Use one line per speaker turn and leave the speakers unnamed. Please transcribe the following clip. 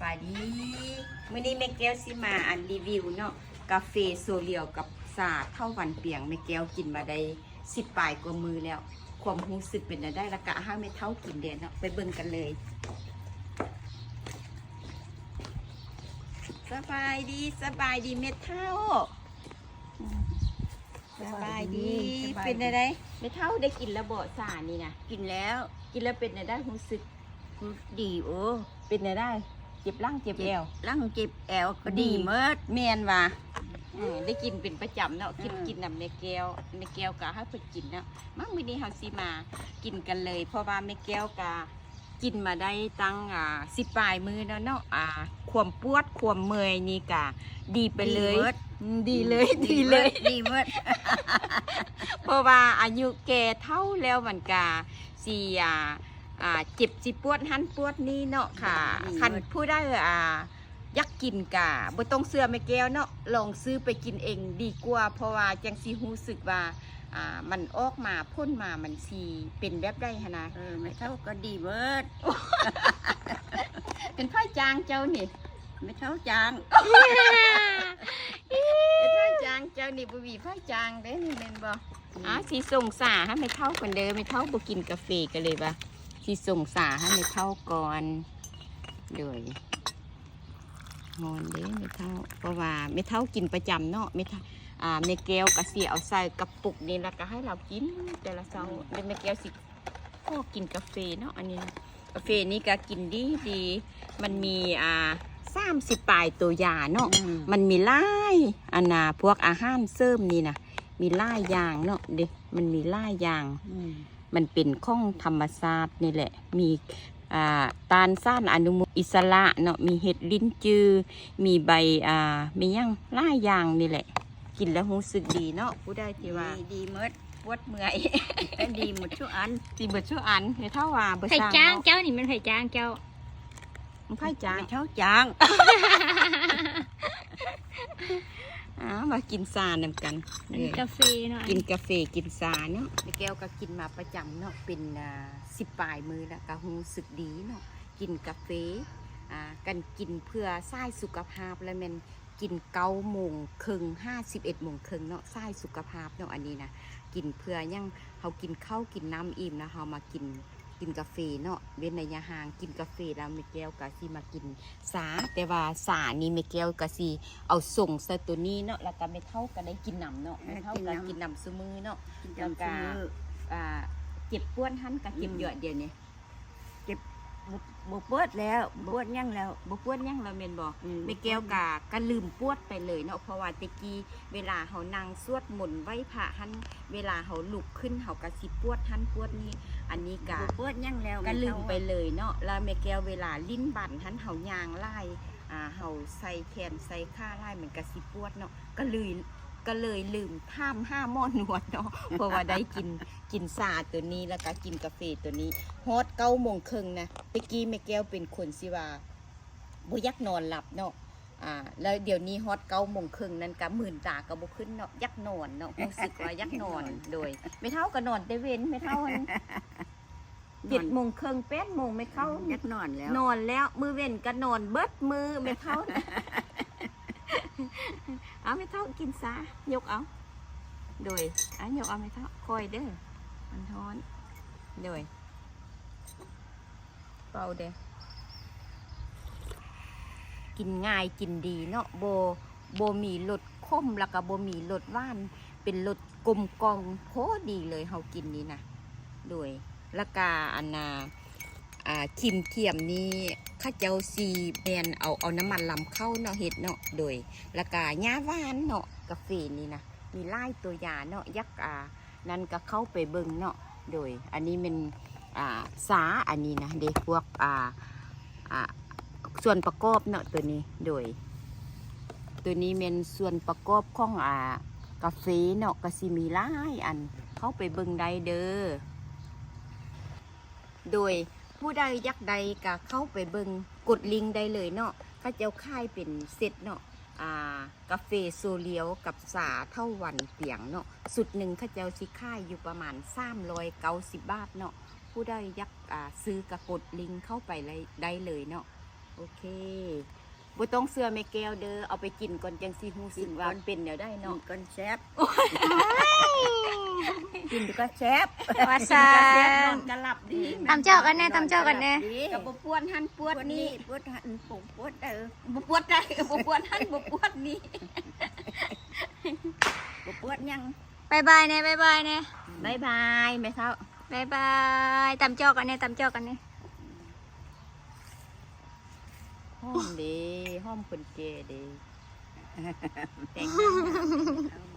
บายดีมื้อนี้แม่แก้วสิมาอันรีวิวเนาะกาแฟโซเลียวกับสาเท่าวันเปียงแม่แก้วกินมาได้10 ปลายกว่ามือแล้วความรู้สึกเป็นได้ละกะห้าไม่เท่ากินเด่นเนาะไปเบิ่งกันเลยสบายดีเม็ดเท่าสบายดีเป็นอะไรเม็ดเท่าได้กินแล้วบ่สานี่นะกินแล้วเป็นได้รู้สึกดีโอ้เป็นได้เจ็บร่างเจ็บแอวร่างเจ็บแอวก็ดีเมิดเมียนว่ะได้กินเป็นประจำเนาะกินนำแม่แก้วกะให้เพิ่นกินเนาะมั่งมื้อนี้เฮาสิมากินกันเลยเพราะว่าแม่แก้วกะกินมาได้ตั้ง10 ปลายมือแล้วเนาะความปวดความเมื่อยนี่กะดีไปเลยดีเลยดีเมิด เพราะว่าอายุแก่เท่าแล้วมันกะสิเจ็บสิปวดหันปวดนี่เนาะค่ะคันผู้ได้ยักกินกะบ่ต้องเสื้อแม่แก้วเนาะลองซื้อไปกินเองดีกว่าเพราะว่าจังสิรู้สึกว่ามันออกมาพ่นมามันสิเป็นแบบได้หั่นนะไม่เท่าก็ดีเบิด เป็นไผ่จางเจ้านี่ไม่เท่าจาง เป็นไผ่จางเจ้านี่บ่มีไผ่จางเด้นี่แม่นบ่สิส่งสาให้ไม่เท่ากันเด้อไม่เท่าบ่กินกาแฟกันเลยบ่สิส่งสาให้ไม่เท่าก่อนเลยงอนเด้ไม่เท่าเพราะว่าไม่เท่ากินประจำเนาะไม่เท่าแม่แก้วก็สิเอาใส่กระปุกนี่แล้วก็ให้เรากินแต่ละเช้าแม่แก้วสิก็กินกาแฟเนาะอันนี้กาแฟนี่ก็กินดีมันมี30 ปลายตัวยาเนาะมันมีหลายพวกอาหารเสริมนี่นะมีหลายอย่างเนาะเด็มันมีหลายอย่างมันเป็นของธรรมชาตินี่แหละมีตาลซ่านอนุมูลอิสระเนาะมีเห็ดลิ้นจือมีใบมีหยังหลายอย่างนี่แหละกินแล้วรู้สึกดีเนาะผู้ได้ที่ว่าดีเมิดปวดเมื่อยดีหมดชั่วอันดีหมดชั่วอันเดี๋ยวเท่าว่าเบอร์
ไผ่
สาม
จางเจ้านี่มันไผ่จางเจ้า
มันไผ่จางเท่าจาง มากินซานำกัน
กาแฟเนาะ
กินกาแฟกินซาเนาะแก้วก็กินมาประจำเนาะเป็น10 ปลายมือแล้วก็รู้สึกดีเนาะกินกาแฟกันกินเพื่อสร้างสุขภาพแล้วมันกิน9:30 51:30เนาะสร้างสุขภาพเนาะอันนี้นะกินเพื่อยังเขากินข้าวกินน้ำอิ่มนะเขามากินกาแฟเนาะเว้นระยะห่างกินกาแฟแล้วแม่แก้วก็สิมากินสาแต่ว่าสานี่แม่แก้วก็สิเอาส่งใส่ตัวนี้เนาะแล้วก็ไม่เท่ากันได้กินน้ำเนาะไม่เท่ากันกินน้ำซุมือเนาะแล้วก็เจ็บปวดหันกับเจ็บเยอะเดี๋ยวนี้เจ็บบปวดแล้วปวดยั่งแล้วบปวดยั่งแล้วเมนบอกแม่แก้วก็ลืมปวดไปเลยเนาะเพราะว่าตะกี้เวลาเขานั่งสวดมนต์ไหว้พระหันเวลาเขาลุกขึ้นเขาก็สิปวดหันปวดนี่อันนี้ก็ปวดยั่งแล้วก็ลืมไปเลยเนาะแล้วแม่แก้วเวลาลิ้นบั่นหันเขายางไล่เขาใส่แขนใส่ขาไล่เหมือนกับสิปวดเนาะก็เลยลืมท่าม5 หม้อหนวดเนาะเพราะว่าได้กินซาตัวนี้แล้วก็กินกาแฟตัวนี้ฮอต9:30นะเมื่อกี้แม่แก้วเป็นคนสิว่าบ่ยักนอนหลับเนาะแล้วเดี๋ยวนี้ฮอต9:30นั้นก็มื่นตาก็บ่ขึ้นเนาะยักนอนเนาะรู้สึกว่ายักนอนโดยไม่เท่าก็นอนแต่เว้นไม่เท่า7:30 8:00ไม่เข้ายักนอนแล้วมือเว้นก็นอนเบิดมือไม่เท่าเอาไม่เท่ากินซายกเอาโดยยกเอาไม่เท่าคอยเด้อมันท้อนโดยเป่าเด้อกินง่ายกินดีเนาะโบมีรสข้มแล้วก็โบมีรสหวานเป็นรสกลมกล่อมโคดีเลยเฮากินนี่นะโดยแล้วก็คิมเทียมนี้ข้าเจ้าซีแมนเอาน้ำมันลำเข้าเนาะเห็ดเนาะโดยแล้วก็หญ้าหวานเนาะกาแฟนี่นะมีไล่ตัวยาเนาะยักนั่นก็เข้าไปเบิ่งเนาะโดยอันนี้เป็นสาอันนี้นะเด็กพวกส่วนประกอบเนาะตัวนี้โดยตัวนี้เป็นส่วนประกอบของกาแฟเนาะก็สิมีไล่อันเข้าไปเบิ่งได้เด้อโดยผู้ใดยักใดก็เข้าไปเบิ่งกดลิงก์ได้เลยเนาะข้าเจ้าค่ายเป็นเซตเนาะกาแฟโซเลียวกับสาเท่าวันเปียงเนาะสุดหนึ่งข้าเจ้าสิค่ายอยู่ประมาณ390 บาทเนาะผู้ใดยักซื้อกระกดลิงก์เข้าไปได้เลยเนาะโอเคบ่ต้องเสื้อแม่แก้วเด้อเอาไปกินก่อนจังสิฮู้สึกว่าเป็นแนวได้
กิ
เนาะ
นก้อนแซ่บกินก็แซ่บ
ว่าซา
นอนกะหลับดี
ตำเจ้ากันแน่ตำเจ้ากันแน่
ก็บ่ปวดหันปวด
ปวด
นี่
นี่ปวดหันปุ่มปวด
บ่ปวดได้บ่ปวดหันบ่ปวดนี่
ปวดยัง
บายบายแน่บายบายแน่
บ๊ายบายแม่เฒ่า
บายบายตำเจ้ากันแน่ตำเจ้ากันแน่
หอมเด้หอมคนแก่เด้แต่งงาน